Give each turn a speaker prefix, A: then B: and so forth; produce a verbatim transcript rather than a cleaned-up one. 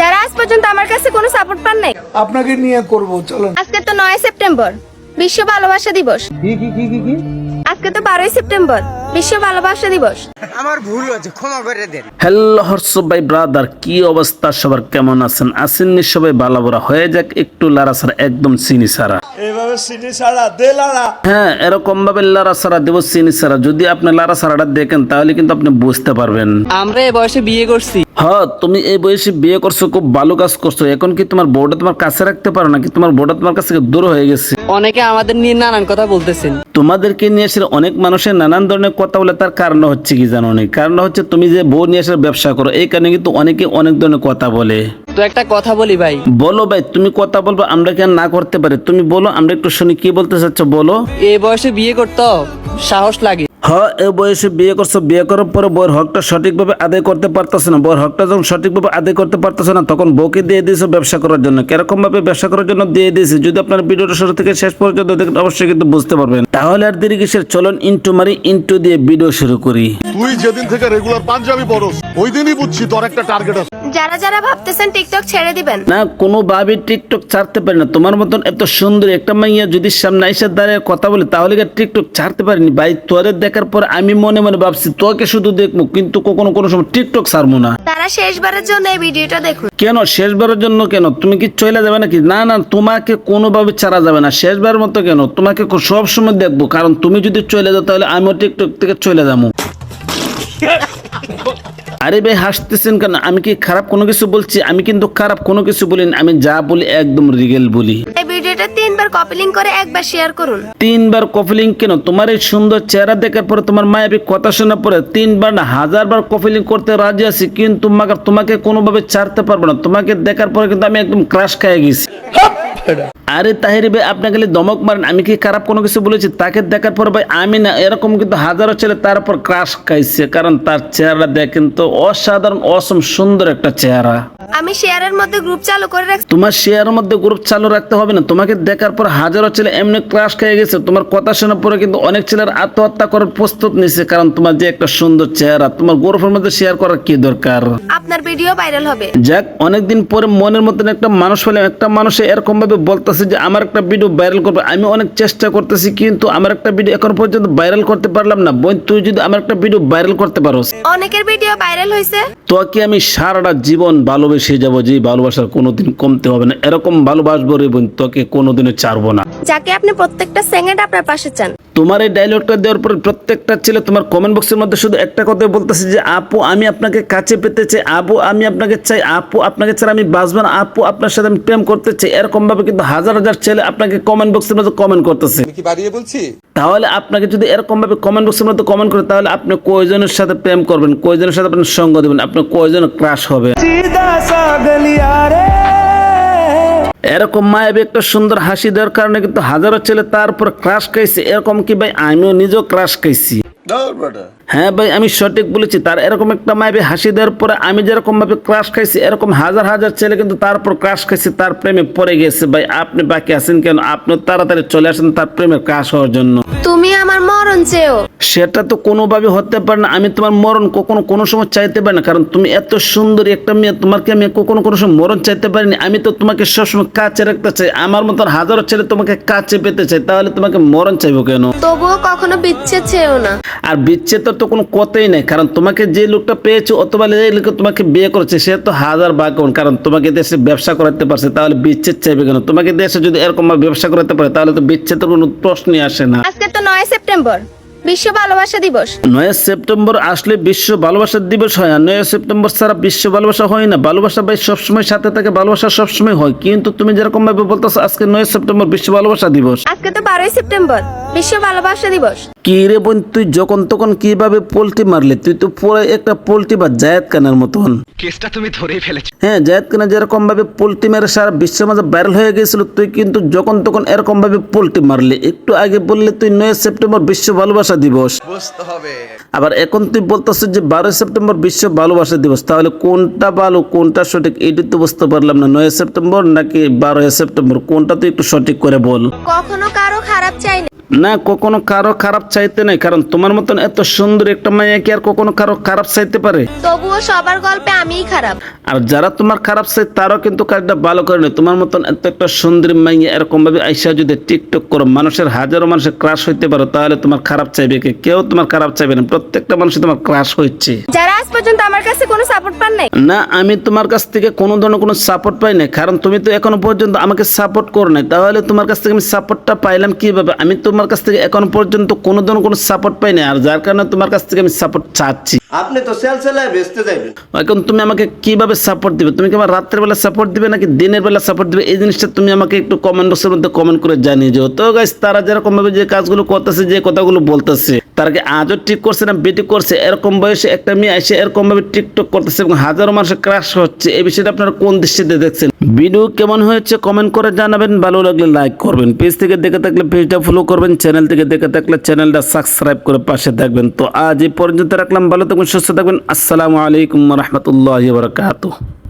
A: যারা আজ পর্যন্ত আমার কাছে কোনো সাপোর্ট পান নাই,
B: আপনাকে নিয়ে করব। চলো,
A: আজকে তো নয় সেপ্টেম্বর বিশ্ব ভালোবাসা দিবস।
B: কি কি কি কি কি
A: আজকে তো বারোই সেপ্টেম্বর বিশ্ব ভালোবাসা দিবস।
C: আমার ভুল হয়েছে, ক্ষমা করে দেন।
D: হ্যালো হর্ষ ভাই ব্রাদার, কি অবস্থা সবার, কেমন আছেন? আছেন নি সবাই ভালো বড়া? হয়ে যাক একটু লারা সারা, একদম চিনি সারা।
B: এইভাবে সিটি ছাড়া দে লাড়া।
D: হ্যাঁ, এরকম ভাবে লারা সারা দেব, চিনি সারা। যদি আপনি লারা সারাটা দেখেন তাহলে কিন্তু আপনি বুঝতে পারবেন।
E: আমরা এই বয়সে বিয়ে করছি।
D: হ্যাঁ, তুমি এই বয়সে বিয়ে করছো, খুব ভালো কাজ করছো। এখন কি তোমার বউটা তোমার কাছে রাখতে পারো নাকি তোমার বউটা তোমার কাছ থেকে দূর হয়ে গেছে?
E: অনেকে আমাদের নিয়ে নানান কথা বলতেছেন।
D: তোমাদেরকে নিয়ে এসে অনেক মানুষের নানান ধরনের কথা বলে, তার কারণ হচ্ছে কি জানো? না, কারণ হচ্ছে তুমি যে বউ নিয়ে এসে ব্যবসা করো, এই কারণে কিন্তু অনেকে অনেক ধরনের কথা বলে।
E: তো একটা কথা বলি ভাই।
D: বলো ভাই, তুমি কথা বলবো, আমরা কেন না করতে পারি? তুমি বলো, আমরা একটু শুনি কি বলতে চাচ্ছ, বলো।
E: এই বয়সে বিয়ে করতে সাহস লাগে।
D: হ্যাঁ, এই বয়সে বিয়ে করছো, বিয়ে করার পরে বউয়ের হকটা সঠিকভাবে আদায় করতে পারতেছে না। বউয়ের হকটা যখন সঠিকভাবে আদায় করতে পারতেছে না, তখন বউকে দিয়ে দিয়েছো ব্যবসা করার জন্য। কিরকম ভাবে ব্যবসা করার জন্য দিয়ে দিয়েছে, যদি আপনার ভিডিওটা শুরু থেকে শেষ পর্যন্ত দেখেন, অবশ্যই কিন্তু বুঝতে পারবেন। তাহলে আর দেরি কিসের, চলুন ইন্টু মারি, ইন্টু দিয়ে ভিডিও শুরু করি।
F: তুই যেদিন থেকে রেগুলার পাঞ্জাবি পরস, ওই দিনই বুঝছি তোর একটা টার্গেট আছে।
A: যারা যারা ভাবতেছেন টিকটক ছেড়ে দিবেন,
D: না, কোনো ভাবে টিকটক ছাড়তে পারি না। তোমার মতন এত সুন্দর একটা মাইয়া যদি সামনে এসে দাঁড়িয়ে কথা বলে, তাহলে কি টিকটক ছাড়তে পারিনি ভাই? তোরে দেখার পর আমি মনে মনে ভাবছি তোকে শুধু দেখবো, কিন্তু কখনো কোনো সময় টিকটক ছাড়বো না।
A: তারা শেষবারের জন্য এই ভিডিওটা দেখুন।
D: কেন শেষবারের জন্য? কেন তুমি কি চলে যাবে নাকি? না না, তোমাকে কোনোভাবে ছাড়া যাবে না। শেষবারের মতো কেন, তোমাকে সব সময় দেখবো। কারণ তুমি যদি চলে যাও, তাহলে আমিও টিকটক থেকে চলে যাবো। আরে ভাই, হাসতেছেন কেন? আমি কি খারাপ কোনো কিছু বলছি? আমি কিন্তু খারাপ কোনো কিছু বলিনি। আমি যা বলি একদম রিয়েল বলি।
A: এই ভিডিওটা তিনবার কপি লিংক করে একবার শেয়ার করুন।
D: তিনবার কপি লিংক কেন? তোমার এই সুন্দর চেহারা দেখার পরে, তোমার মায়াবী কথা শোনার পরে তিনবার না হাজার বার কপি লিংক করতে রাজি আছি, কিন্তু মাগার তোমাকে কোনোভাবে ছাড়তে পারবো না। তোমাকে দেখার পরে কিন্তু আমি একদম ক্রাশ খেয়ে গেছি। আরে তাহিরি ভাই, আপনি খালি দমক মারেন। আমি কি খারাপ কোনো কিছু বলেছি? তাকে দেখার পর ভাই আমি না, এরকম কিন্তু হাজারো ছেলে তার উপর ক্রাশ খাইছে, কারণ তার চেহারা দেখেন তো, অসাধারণ অসম সুন্দর একটা চেহারা।
A: আমি শেয়ারের মধ্যে গ্রুপ চালু করে রাখছি।
D: তোমার শেয়ারের মধ্যে গ্রুপ চালু রাখতে হবে না। তোমাকে দেখার পর হাজারো ছেলে এমনি ক্রাশ খেয়ে গেছে। তোমার কথা শোনার পরে কিন্তু অনেক ছেলের আত্মহত্যা করার প্রস্তুত নিছে, কারণ তোমার যে একটা সুন্দর চেহারা। তোমার গ্রুপের মধ্যে শেয়ার করার কি দরকার?
A: আপনার ভিডিও ভাইরাল হবে।
D: যাক, অনেকদিন পরে মনের মতন একটা মানুষ পেলে। একটা মানুষ এরকম ভাবে বলতেছে যে আমার একটা ভিডিও ভাইরাল করবে। আমি অনেক চেষ্টা করতেছি, কিন্তু আমার একটা ভিডিও এখন পর্যন্ত ভাইরাল করতে পারলাম না। বোন, তুই যদি আমার একটা ভিডিও ভাইরাল করতে পারোস,
A: অনেকের ভিডিও ভাইরাল হয়েছে,
D: তোকে আমি সারাটা জীবন ভালোবেসে যাবো। যে ভালোবাসার কোনোদিন কমতে হবে না। এরকম ভালোবাসবো রে বোন, তোকে কোনোদিনও ছাড়বো না।
A: যাকে আপনি প্রত্যেকটা সেকেন্ড আপনার পাশে চান।
D: তোমার এই ডায়লগটা দেওয়ার পরে প্রত্যেকটা ছেলে তোমার কমেন্ট বক্সের মধ্যে শুধু একটা কথাই বলতেছে যে আপু আমি আপনাকে কাছে পেতে চাই, আপু আমি আপনাকে চাই, আপু আপনাকে ছাড়া আমি বাঁচব না, আপু আপনার সাথে আমি প্রেম করতে চাই। এরকম ভাবে কিন্তু হাজার হাজার ছেলে আপনাকে কমেন্ট বক্সের মধ্যে কমেন্ট করতেছে।
C: কি বাড়িয়ে বলছি?
D: তাহলে আপনাকে যদি এরকম ভাবে কমেন্ট বক্সের মধ্যে কমেন্ট করে, তাহলে আপনি কয়জনের সাথে প্রেম করবেন, কয়জনের সাথে আপনি সঙ্গ দেবেন, আপনি কয়জন ক্রাশ হবে? এরকম মায়াবী একটা সুন্দর হাসি দেওয়ার কারণে কিন্তু হাজারো ছেলে তার উপর ক্রাশ খাইছে। এরকম কি ভাই, আমিও নিজেও ক্রাশ খাইছি। হ্যাঁ ভাই, আমি সঠিক বলেছি। তার এরকম একটা মায়াবী হাসি দেওয়ার পরে আমি যেরকম ভাবে ক্রাশ খাইছি, এরকম হাজার হাজার ছেলে কিন্তু তার উপর ক্রাশ খাইছে, তার প্রেমে পড়ে গেছে। ভাই আপনি বাকি আছেন কেন? আপনি তাড়াতাড়ি চলে আসেন তার প্রেমে ক্রাশ হওয়ার জন্য।
A: তুমি আমার মরণ চেয়েও।
D: সেটা তো কোনোভাবে হতে পারে না। আমি তোমার মরণ কখনো কোনো সময় চাইতে পারি না, কারণ তুমি এত সুন্দরী একটা মেয়ে। তোমাকে আমি কখনো কোনো সময় মরণ চাইতে পারিনি। আমি তো তোমাকে সবসময় কাছে রাখতে চাই। আমার মতন হাজারো ছেলে তোমাকে কাছে পেতে চাই, তাহলে তোমাকে মরণ চাইবো কেন?
A: তবুও কখনো বিচ্ছেদ চেয়েও না।
D: আর বিচ্ছেদ তো কোনো কথাই নেই, কারণ তোমাকে যে লোকটা পেয়েছো অথবা যে লোক তোমাকে বিয়ে করেছে, সে তো হাজার ভাগ্যবান, কারণ তোমাকে দেশে ব্যবসা করাতে পারছে। তাহলে বিচ্ছেদ চাইবে কেন? তোমাকে দেশে যদি এরকম ভাবে ব্যবসা করাতে পারে, তাহলে তো বিচ্ছেদের কোনো প্রশ্নই আসে না।
A: আজকে তো নয় সেপ্টেম্বর বিশ্ব ভালোবাসা দিবস।
D: নয় সেপ্টেম্বর আসলে বিশ্ব ভালোবাসা দিবস হয়। আর নয় সেপ্টেম্বর ছাড়া বিশ্ব ভালোবাসা হয় না। ভালোবাসা ভাই সবসময় সাথে থাকে, ভালোবাসা সবসময় হয়। কিন্তু তুমি যেরকম ভাবে বলতেছো আজকে নয় সেপ্টেম্বর বিশ্ব ভালোবাসা দিবস,
A: আজকে তো বারোই সেপ্টেম্বর বিশ্ব ভালোবাসা দিবস।
D: কি রে বোন, তুই যখন তখন কিভাবে পোল্ট্রি মারলে? তুই তো পুরো একটা পোল্ট্রি বা জায়েদ খানের মতন।
C: কেসটা তুমি ধরেই ফেলেছো।
D: হ্যাঁ, জায়েদ খান যেরকম ভাবে পোল্ট্রি মেরে সারা বিশ্বের মাঝে ভাইরাল হয়ে গেছিল, তুই কিন্তু যখন তখন এরকম ভাবে পোল্ট্রি মারলি। একটু আগে বললে তুই নয় সেপ্টেম্বর বিশ্ব ভালোবাসা দিবস,
C: বুঝতে হবে।
D: আবার এখন তুই বলতেছিস যে বারোই সেপ্টেম্বর বিশ্ব ভালোবাসা দিবস। তাহলে কোনটা ভালো, কোনটা সঠিক, এইটা তো বুঝতে পারলাম না। নয় সেপ্টেম্বর নাকি বারোই সেপ্টেম্বর, কোনটা তুই একটু সঠিক করে বল।
A: কখনো কারো খারাপ চাই না।
D: না কখনো কারো খারাপ চাইতে নাই, কারণ তোমার মতন এত সুন্দর একটা মাইয়া কি আর কখনো কারো খারাপ চাইতে পারে?
A: তবুও সবার গল্পে আমিই খারাপ।
D: আর যারা তোমার খারাপ চাই তারাও কিন্তু কাজটা ভালো করে নেয়। তোমার মতন এত একটা সুন্দরী মাইয়া এরকম ভাবে আইসা যদি টিকটক করো, মানুষের হাজারো মানুষের ক্রাশ হইতে পারো, তাহলে তোমার খারাপ চাইবে কে? কেউ তোমার খারাপ চাইবে না, প্রত্যেকটা মানুষ তোমার ক্রাশ হচ্ছে।
A: যারা আজ পর্যন্ত আমার কাছে কোনো সাপোর্ট পান নাই।
D: না আমি তোমার কাছ থেকে কোনো ধরনের কোনো সাপোর্ট পাই না, কারণ তুমি তো এখনো পর্যন্ত আমাকে সাপোর্ট করো নাই। তাহলে তোমার কাছ থেকে আমি সাপোর্টটা পাইলাম কিভাবে? আমি তোমার কাছ থেকে এখনো পর্যন্ত কোনো ধরনের কোনো সাপোর্ট পাই না, আর যার কারণে তোমার কাছ থেকে আমি সাপোর্ট চাচ্ছি।
G: আপনি তো সেল সেলায় বেচতে যাবেন।
D: এখন তুমি আমাকে কিভাবে সাপোর্ট দিবে? তুমি কি আমার রাত্রের বেলা সাপোর্ট দিবে নাকি দিনের বেলা সাপোর্ট দিবে? এই জিনিসটা তুমি আমাকে একটু কমেন্ট বক্সের মধ্যে কমেন্ট করে জানিয়ে যাও। তো গাইস, তারা যেরকম ভাবে যে কাজগুলো করতেছে, যে কথাগুলো বলতেছে, তারা কি আজও ঠিক করছে না বেটি করছে? এরকম বয়সে একটা মেয়ে এসে এরকম ভাবে টিকটক করতেছে এবং হাজারো মানুষের ক্রাশ হচ্ছে, এই বিষয়টা আপনারা কোন দৃষ্টিতে দেখছেন? ভিডিও কেমন হয়েছে কমেন্ট করে জানাবেন, ভালো লাগলে লাইক করবেন, পেজ থেকে দেখে থাকলে পেজটা ফলো করবেন, চ্যানেল থেকে দেখে থাকলে চ্যানেলটা সাবস্ক্রাইব করে পাশে থাকবেন। তো আজ এই পর্যন্ত রাখলাম, ভালো থাকবেন, সুস্থ থাকবেন। আসসালামু আলাইকুম ওয়া রাহমাতুল্লাহি ওয়া বারাকাতুহু।